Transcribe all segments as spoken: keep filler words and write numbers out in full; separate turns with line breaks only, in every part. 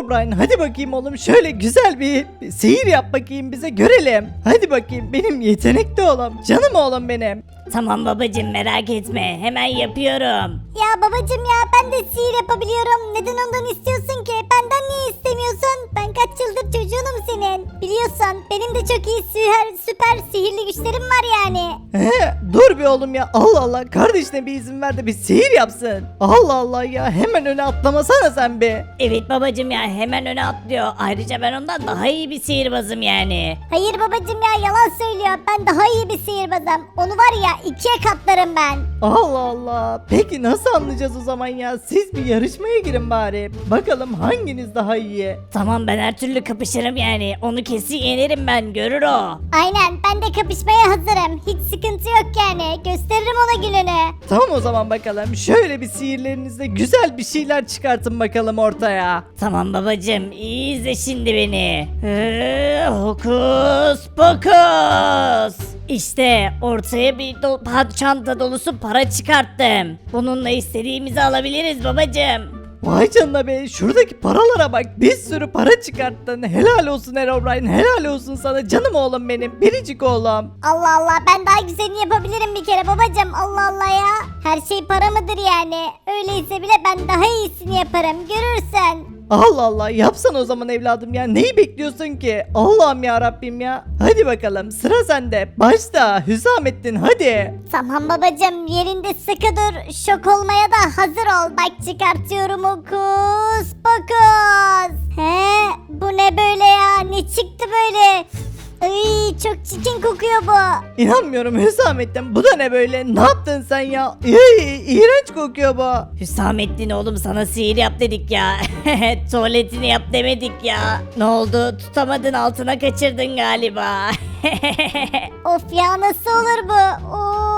Herobrine hadi bakayım oğlum şöyle güzel bir bir sihir yap bakayım bize görelim. Hadi bakayım benim yetenekli oğlum canım oğlum benim.
Tamam babacım merak etme hemen yapıyorum.
Ya babacım ya ben de sihir yapabiliyorum. Neden ondan istiyorsun ki? Benden niye istemiyorsun? Ben kaç yıldır çocuğunum senin. Biliyorsun benim de çok iyi süper, süper sihirli güçlerim var yani.
He, dur bir oğlum ya Allah Allah kardeşine bir izin ver de bir sihir yapsın. Allah Allah ya hemen öne atlamasana sen bir.
Evet babacım ya hemen öne atlıyor. Ayrıca ben ondan daha iyi bir sihirbazım yani.
Hayır babacım ya yalan söylüyor. Ben daha iyi bir sihirbazım. Onu var ya ikiye katlarım ben.
Allah Allah. Peki nasıl anlayacağız o zaman ya? Siz bir yarışmaya girin bari. Bakalım hanginiz daha iyi?
Tamam ben her türlü kapışırım yani. Onu kesin yenerim ben görür o.
Aynen ben de kapışmaya hazırım. Hiç sıkıntı yok yani. Gösteririm ona gününü.
Tamam o zaman bakalım. Şöyle bir sihirlerinizle güzel bir şeyler çıkartın bakalım ortaya.
Tamam babacım iyi izle şimdi beni. Ee, hokus pokus. İşte ortaya bir do- pa- çanta dolusu para çıkarttım. Bununla istediğimizi alabiliriz babacım.
Vay canına be şuradaki paralara bak bir sürü para çıkarttın helal olsun Herobrine helal olsun sana canım oğlum benim biricik oğlum.
Allah Allah ben daha güzelini yapabilirim bir kere babacım. Allah Allah ya. Her şey para mıdır yani? Öyleyse bile ben daha iyisini yaparım. Görürsen.
Allah Allah yapsan o zaman evladım ya neyi bekliyorsun ki Allah'ım ya Rabbim ya. Hadi bakalım sıra sende başla Hüsamettin hadi.
Tamam babacım yerinde sıkı dur. Şok olmaya da hazır ol. Bak çıkartıyorum okus pokus. He bu ne böyle ya? Ne çıktı böyle? Ay çok çirkin kokuyor bu.
İnanmıyorum Hüsamettin bu da ne böyle ne yaptın sen ya İy, iğrenç kokuyor bu.
Hüsamettin oğlum sana sihir yap dedik ya. Tuvaletini yap demedik ya. Ne oldu tutamadın altına kaçırdın galiba.
Of ya nasıl olur bu?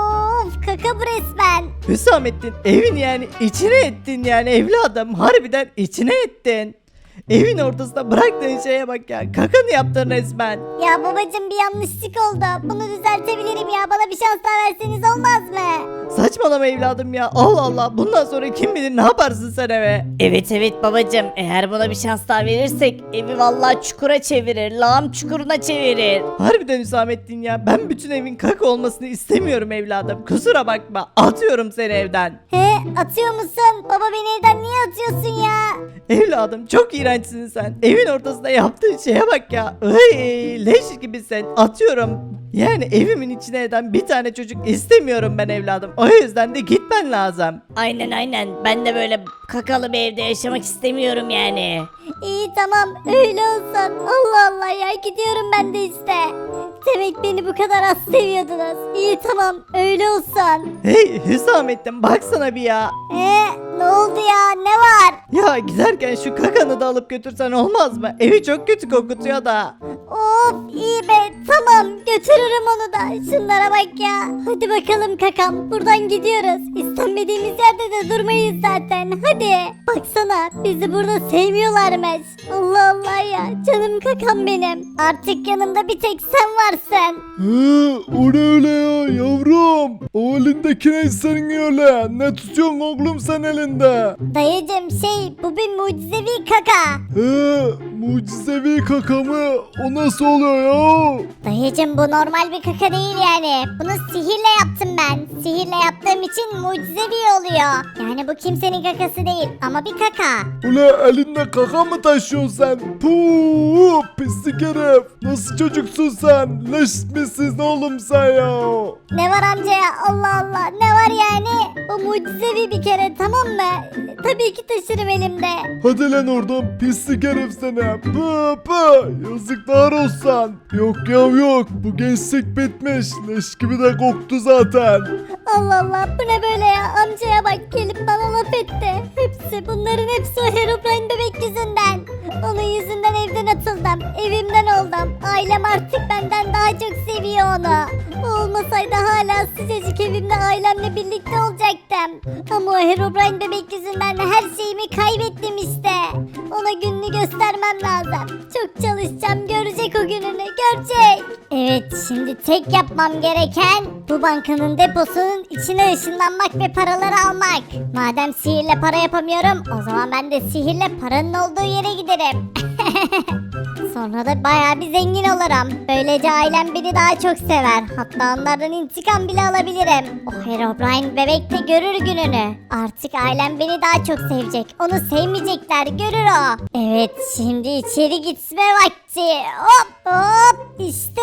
Of kaka bu resmen.
Hüsamettin evin yani içine ettin yani evladım harbiden içine ettin. Evin ortasında bıraktığın şeye bak ya kakanı yaptın resmen.
Ya babacım bir yanlışlık oldu. Bunu düzeltebilirim ya. Bana bir şans daha verseniz olmaz mı?
Saçmalama evladım ya Allah Allah bundan sonra kim bilir ne yaparsın sen eve.
Evet evet babacım eğer buna bir şans daha verirsek evi vallahi çukura çevirir. Lağım çukuruna çevirir.
Harbiden Hüsamettin ya ben bütün evin kaka olmasını istemiyorum evladım kusura bakma atıyorum seni evden.
He atıyor musun? Baba beni evden niye atıyorsun ya?
Evladım çok iğrençsin sen. Evin ortasında yaptığın şeye bak ya. Ay, leş gibisin. Atıyorum. Yani evimin içine eden bir tane çocuk istemiyorum ben evladım. O yüzden de gitmen lazım.
Aynen aynen ben de böyle kakalı bir evde yaşamak istemiyorum yani.
İyi tamam öyle olsun. Allah Allah ya gidiyorum ben de işte. Demek beni bu kadar az seviyordunuz. İyi tamam öyle olsun.
Hey Hüsamettin baksana bir ya.
He ne oldu ya ne var?
Ya giderken şu kakanı da alıp götürsen olmaz mı? Evi çok kötü kokutuyor da.
Of iyi be tamam götürürüm onu da. Şunlara bak ya. Hadi bakalım kakam buradan gidiyoruz. İstenmediğimiz yerde de durmayız zaten. Hadi. Baksana bizi burada sevmiyorlarmış. Allah Allah ya canım kakam benim. Artık yanımda bir tek sen varsın.
Hı, o ne öyle ya yavrum? O elindeki ne senin öyle? Ne tutuyorsun oğlum sen elinde?
Dayıcım şey bu bir mucizevi kaka.
He, mucizevi kaka mı? O nasıl oluyor ya?
Dayıcım bu normal bir kaka değil yani. Bunu sihirle yaptım ben. Sihirle yaptığım için mucizevi oluyor. Yani bu kimsenin kakası değil ama bir kaka.
Ula elinde kaka mı taşıyorsun sen? Puuu pislik herif. Nasıl çocuksun sen? Leş misin oğlum sen ya?
Ne var amca ya Allah Allah ne var yani? Bu mucizevi bir kere tamam mı? Tabii ki taşırım elimde.
Hadi lan oradan pislik herif sana. Pı pı yazıklar olsun. Yok ya yok bu gençlik bitmiş. Leş gibi de koktu zaten.
Allah Allah bu ne böyle ya amcaya bak gelip bana laf etti. Hepsi bunların hepsi o Herobrine bebek yüzünden. Onun yüzünden evden atıldım. Evimden oldum. Ailem artık benden daha çok seviyor onu. O olmasaydı hala sıcacık evimde ailemle birlikte olacaktım. Ama o Herobrine bebek yüzünden her şeyimi kaybettim işte. Ona gününü göstermem lazım. Çok çalışacağım, görecek o gününü, görecek. Evet, şimdi tek yapmam gereken bu bankanın deposunun içine ışınlanmak ve paraları almak. Madem sihirle para yapamıyorum, o zaman ben de sihirle paranın olduğu yere giderim. Sonra da bayağı bir zengin olurum. Böylece ailem beni daha çok sever. Hatta onlardan intikam bile alabilirim. O Herobrine bebek de görür gününü. Artık ailem beni daha çok sevecek. Onu sevmeyecekler, görür o. Evet, şimdi içeri gitme vakti. Hop hop işte.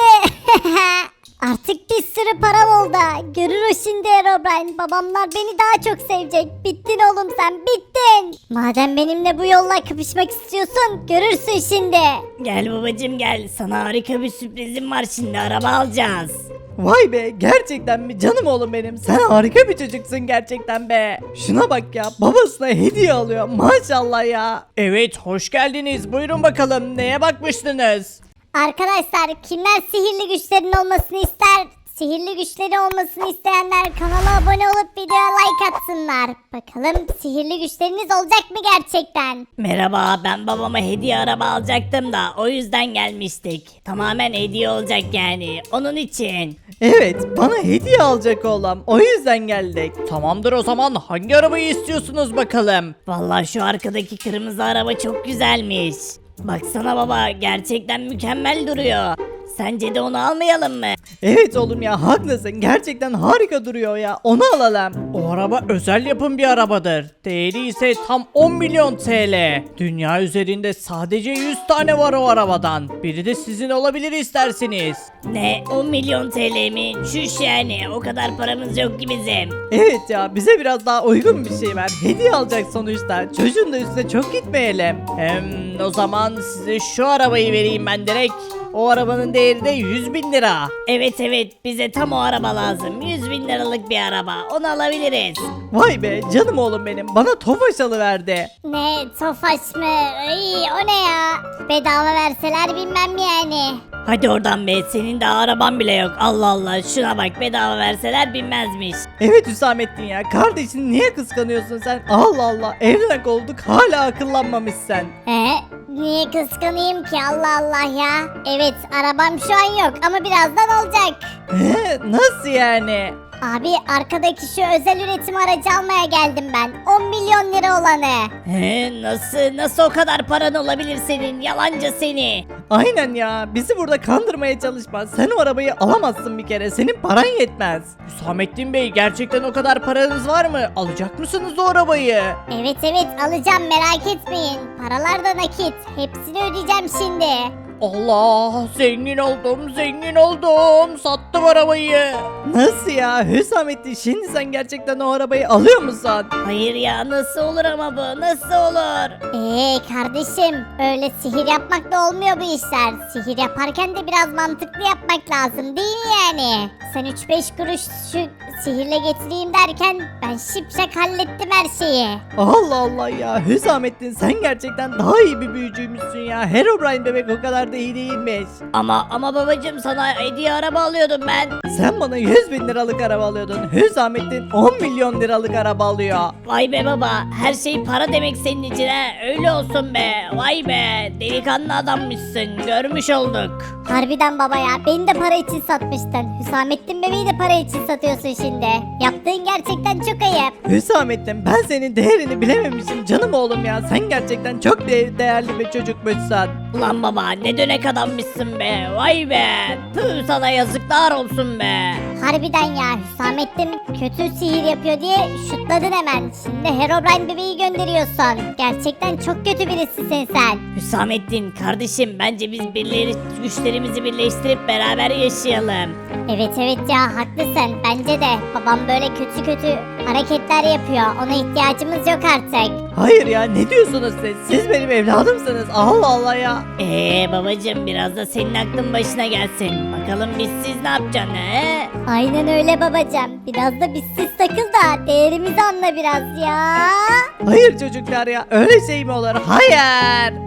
Artık bir sürü param oldu. Görür o şimdi Herobrine. Babamlar beni daha çok sevecek. Bittin oğlum sen, bittin. Madem benimle bu yolla kapışmak istiyorsun, görürsün şimdi.
Gel babacım gel. Sana harika bir sürprizim var şimdi. Araba alacağız.
Vay be, gerçekten mi canım oğlum benim, sen harika bir çocuksun gerçekten be. Şuna bak ya, babasına hediye alıyor maşallah ya. Evet, hoş geldiniz, buyurun bakalım, neye bakmıştınız?
Arkadaşlar, kimler sihirli güçlerin olmasını ister? Sihirli güçleri olmasını isteyenler kanala abone olup videoya like atsınlar. Bakalım sihirli güçleriniz olacak mı gerçekten?
Merhaba, ben babama hediye araba alacaktım da o yüzden gelmiştik. Tamamen hediye olacak yani. Onun için.
Evet, bana hediye alacak oğlum, o yüzden geldik. Tamamdır, o zaman hangi arabayı istiyorsunuz bakalım?
Vallahi şu arkadaki kırmızı araba çok güzelmiş. Baksana baba, gerçekten mükemmel duruyor. Sence de onu almayalım mı?
Evet oğlum ya, haklısın, gerçekten harika duruyor ya, onu alalım. O araba özel yapım bir arabadır. Değeri ise tam on milyon T L. Dünya üzerinde sadece yüz tane var o arabadan. Biri de sizin olabilir isterseniz.
Ne, on milyon T L mi? Şuş yani, o kadar paramız yok ki bizim.
Evet ya, bize biraz daha uygun bir şey ver. Hediye alacak sonuçta. Çocuğun da üstüne çok gitmeyelim. Hem o zaman size şu arabayı vereyim ben direkt. O arabanın değeri de yüz bin lira.
Evet evet, bize tam o araba lazım. yüz bin liralık bir araba, onu alabiliriz.
Vay be canım oğlum benim, bana Tofaş alıverdi.
Ne, Tofaş mı? Ay, o ne ya? Bedava verseler bilmem yani.
Hadi oradan be, senin de araban bile yok. Allah Allah, şuna bak, bedava verseler binmezmiş.
Evet Hüsamettin ya, kardeşini niye kıskanıyorsun sen? Allah Allah, evlenek olduk hala akıllanmamışsın.
He? Niye kıskanayım ki, Allah Allah ya? Evet, arabam şu an yok ama birazdan olacak.
He, nasıl yani?
Abi, arkadaki şu özel üretim aracı almaya geldim ben. on milyon lira olanı.
He, nasıl, nasıl o kadar paran olabilir senin, yalancı seni.
Aynen ya, bizi burada kandırmaya çalışma. Sen o arabayı alamazsın bir kere, senin paran yetmez. Hüsamettin Bey, gerçekten o kadar paranız var mı? Alacak mısınız o arabayı?
Evet evet, alacağım, merak etmeyin. Paralar da nakit. Hepsini ödeyeceğim şimdi.
Allah, zengin oldum, zengin oldum. Sattım arabayı. Nasıl ya Hüsamettin, şimdi sen gerçekten o arabayı alıyor musun?
Hayır ya, nasıl olur ama bu, nasıl olur?
Eee kardeşim, öyle sihir yapmakla olmuyor bu işler. Sihir yaparken de biraz mantıklı yapmak lazım değil mi yani? Sen üç beş kuruş şu sihirle getireyim derken ben şipşak hallettim her şeyi.
Allah Allah ya, Hüsamettin sen gerçekten daha iyi bir büyücüymüşsün ya. Herobrine bebek o kadar da iyi değilmiş.
Ama ama babacım, sana hediye araba alıyordum ben.
Sen bana yüz bin liralık araba alıyordun. Hüsamettin on milyon liralık araba alıyor.
Vay be baba, her şey para demek senin için he. Öyle olsun be. Vay be, delikanlı adammışsın, görmüş olduk.
Harbiden baba ya, beni de para için satmıştın. Hüsamettin bebeği de para için satıyorsun şimdi. Yaptığın gerçekten çok ayıp.
Hüsamettin, ben senin değerini bilememişim canım oğlum ya. Sen gerçekten çok de- değerli bir çocukmuşsun.
Ulan baba, ne dönek adammışsın be. Vay be. Tüh, sana yazıklar olsun be.
Harbiden ya, Hüsamettin kötü sihir yapıyor diye şutladın hemen. Şimdi Herobrine bebeği gönderiyorsun. Gerçekten çok kötü birisisin sen.
Hüsamettin kardeşim, bence biz birleri, güçlerimizi birleştirip beraber yaşayalım.
Evet evet ya, haklısın. Bence de babam böyle kötü kötü hareketler yapıyor. Ona ihtiyacımız yok artık.
Hayır ya, ne diyorsunuz siz? Siz benim evladımsınız. Allah Allah ya.
Eee babacım, biraz da senin aklın başına gelsin. Bakalım biz siz ne yapacaksın he?
Aynen öyle babacığım. Biraz da bizsiz takıl da değerimizi anla biraz ya.
Hayır çocuklar ya, öyle şey mi olur? Hayır.